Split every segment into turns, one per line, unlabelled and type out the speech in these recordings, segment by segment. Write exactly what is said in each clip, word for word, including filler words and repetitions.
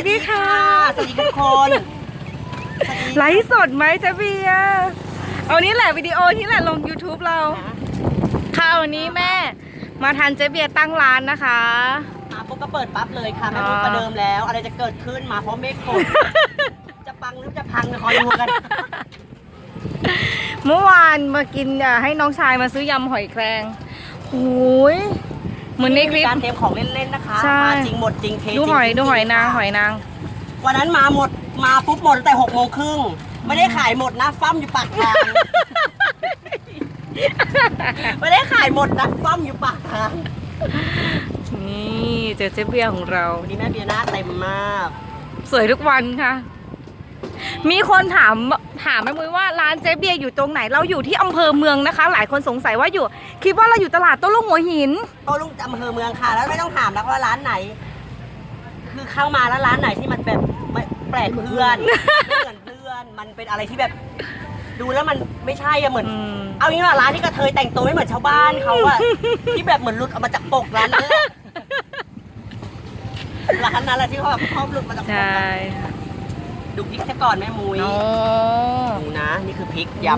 ดีค่ะ
สวัสดีทุกคน
ไลฟ์สดไหมเจ๊เบียร์เอานี้แหละวิดีโอที่แหละลง ยูทูบ เราค่ะวันนี้แม่มาทันเจ๊เบียร์ตั้งร้านนะคะ
มาปุ๊บก็เปิดปั๊บเลยค่ะไม่ต้องประเดิมแล้วอะไรจะเกิดขึ้นมาเพราะเมฆฝนจะปังหรือจะพังคอยดูกัน
เมื่อวานมากินให้น้องชายมาซื้อยำหอยแครงโอ้ยเหมือนในคลิป
การเตรียมของเล่นๆนะคะมาจริงหมดจริงเท
ดูหอยดูหอยนางหอยนาง
วันนั้นมาหมดมาปุ๊บหมดตั้งแต่หกโมงครึ่งไม่ได้ขายหมดนะฟั่มอยู่ปากทางไม่ได้ขายหมดนะฟั่มอยู่ปากทาง
นี่เจอเจ๊เบียร์ของเรา
วันนี้แม่เบียร์หน้าเต็มมาก
สวยทุกวันค่ะมีคนถามถามแม่มุ้ยว่าร้านเจ๊เบียร์อยู่ตรงไหนเราอยู่ที่อำเภอเมืองนะคะหลายคนสงสัยว่าอยู่คิดว่าเราอยู่ตลาดโต้รุ่งหัวหิน
โต้รุ่งอำเภอเมืองค่ะแล้วไม่ต้องถามแล้วว่าร้านไหนคือเข้ามาแล้วร้านไหนที่มันแบบแปลกเพื่อนไม่เหมือนเพื่อนมันเป็นอะไรที่แบบดูแล้วมันไม่ใช่อะเหมือนเอางี้ว่าร้านที่กระเทยแต่งตัวไม่เหมือนชาวบ้านเขาอะที่แบบเหมือนหลุดออกมาจากปกร้านนั้นร้านนั้นแหละที่เขาแบบชอบหลุดมาจากปกดูพริกซะก่อนแม่มุ้ยดูนะนี่คือพริกยำ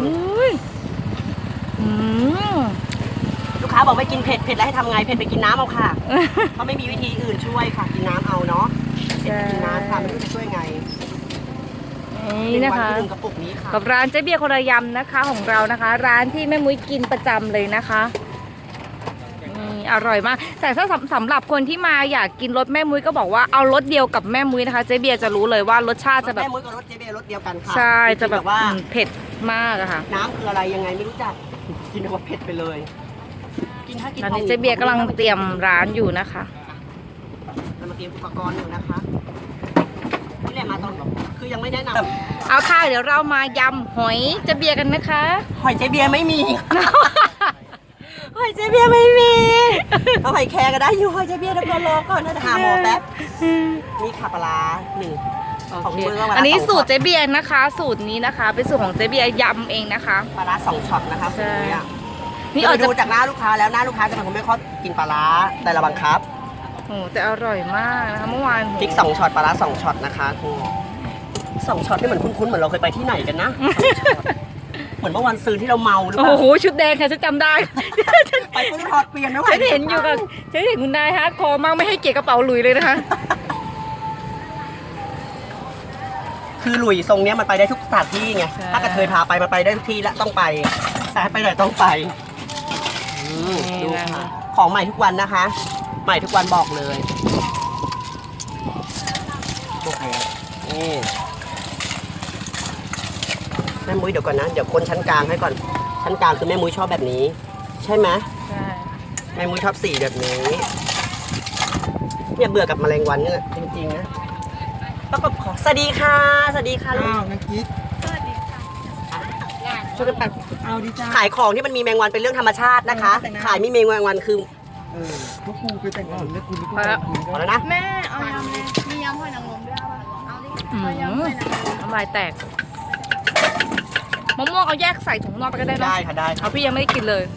ลูกค้าบอกไม่กินเผ็ดเผ็ดแล้วให้ทำไงเผ็ดไปกินน้ำเอาค่ะเพราะไม่มีวิธีอื่นช่วยค่ะกินน้ำเอาเนาะเผ็ดไปกินน้ำค่ะไม่รู้จะช่วยไง
นี่นะคะกับร้านเจ๊เบียร์คนละยำนะคะของเรานะคะร้านที่แม่มุ้ยกินประจำเลยนะคะอร่อยมากแต่ถ้าสำหรับคนที่มาอยากกินรสแม่มุ้ยก็บอกว่าเอารสเดียวกับแม่มุ้ยนะคะเจ๊เบียร์จะรู้เลยว่ารสชาติจะแบบ
แม่มุ้ยกับรสเจ๊เบียร์รสเดียวกันค่ะ
ใช่จะแบบว่าเผ็ดมากอะค่ะ
น้ำคืออะไรยังไงไม่รู้จักกินแต่ว่าเผ็ดไปเลย
กินถ้ากินตอนนี้เจ๊เบียร์กำลังเตรียมร้านอยู่นะคะ
เรามาเตรียมอุปกรณ์อยู่นะคะนี่แหละมาตอนคือยังไม่แนะน
ำเอาค่ะเดี๋ยวเรามายำหอยเจ๊เบียร์กันนะคะ
หอยเจ๊เบียร์ไม่มีหอยเจ๊เบียร์ไม่มีเอาหอยแครงก็ได้อยู่หอยเจ๊เบียร์แล้วก็รอก่อนนะหาหมอแป๊บนี่ค่ะปลาหนึ่ง
ของมืออันนี้สูตรเจ๊เบียร์นะคะ สูตรนี้นะคะเป็นสูตรของเจ๊เบียร์ยำเองนะคะ
ปลาสองช็อตนะคะ
ใช่
นี่ออกดูจากหน้าลูกค้าแล้วหน้าลูกค้าจะเป็นคนไม่ค่อยกินปลาแต่เราบังคับ
โอ้แต่อร่อยมากนะคะเมื่อวาน
พริกสองช็อตปลาสองช็อตนะคะครูสองช็อตนี่เหมือนคุ้นๆเหมือนเราเคยไปที่ไหนกันนะเหมือนเมื่อวันซื้อที่เราเมาหรือเปล่า
โอ้โหชุดแดงค่ะฉันจำได้
ไปปุ๊บถอดเปลี่ยนไม่ไหว
ฉันเห็นอยู่กับฉันเห็นคุณนายฮะคอมากไม่ให้เกียรติกระเป๋าหลุยเลยนะคะ
คือหลุยทรงเนี้ยมันไปได้ทุกสถานที่ไงถ้ากระเทยพาไปมันไปได้ทุกที่และต้องไปสายไปไหนต้องไปดูค่ะของใหม่ทุกวันนะคะใหม่ทุกวันบอกเลยโอเคนี่แม่มุ้ยเดี๋ยวก่อนนะเดี๋ยวคนชั้นกลางให้ก่อนชั้นกลางคือแม่มุ้ยชอบแบบนี้ใช่ไหม
ใช่
แม่มุ้ยชอบสีแบบนี้เนี่ยเบื่อกับแมลงวันเนี่ยจริงๆนะประกบขอสวัสดีค่ะสวัสดีค่ะ
อ้าวนักกิ๊ก
สวัสดีค่ะ
ช่วยกันปัด
เอาดีจ้า
ขายของที่มันมีแมงวันเป็นเรื่องธรรมชาตินะคะขายมีแมงวันคือ
เออพวกกูคือแต่งงานแล้วกูนี่กู
พอแล้วนะ
แม่เอายำเลยมียำหอยนางรมด้วยป่ะเอาดิเอายำหอยนางรม
น้ำลายแตกมะม่วงเอาแยกใส่ถุงนอกไปก็ได้เนาะ
ได้ค่ะได้
เอาพี่ยังไม่ได้กินเลย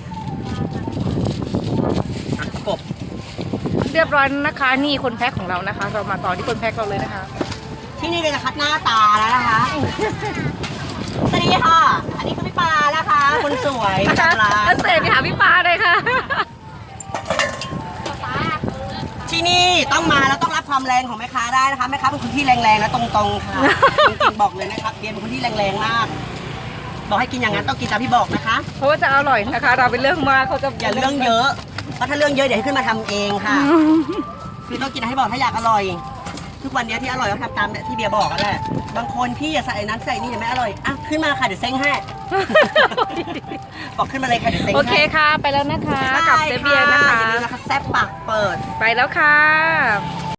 กบ
เรียบร้อยนะคะนี่คนแพ็คของเรานะคะเรามาต่อที่คนแพ็คเราเลยนะคะ
ที่นี่เราจะคัดหน้าตาแล้วนะคะสวัสดีค่ะอันนี้คือพี่ปานะคะคนสวย
ปลาเสพไปหาพี่ปาเลยค่ะ
ที่นี่ต้องมาแล้วต้องรับความแรงของแม่ค้าได้นะคะแม่ค้าเป็นคนที่แรงๆและตรงๆค่ะจริงๆบอกเลยนะครับเบียร์เป็นคนที่แรงๆมากบอกให้กินอย่างนั้นต้องกินตามที่บอกนะคะ
เพราะว่าจะอร่อยนะคะเราเป็นเรื่องมากเขาจะ
อย่าเรื่องเยอะเพราะถ้าเรื่องเยอะเดี๋ยวให้ขึ้นมาทำเองค่ะคือต้องกินให้บอกถ้าอยากอร่อยทุกวันนี้ที่อร่อยต้องทำตามที่เบียร์บอกกันแหละบางคนพี่อย่าใส่นั้นใส่นี่อย่าไม่อร่อยอ่ะขึ้นมาค่ะเดี๋ยวเซ้งให้บอกขึ้นมาเลยค่ะเดี๋ยวเซ้งให้
โอเคค่ะไปแล้วนะคะกับเจ๊เบียร์นะคะ
อย่าลืมนะคะแซ่บปากเปิด
ไปแล้วค่ะ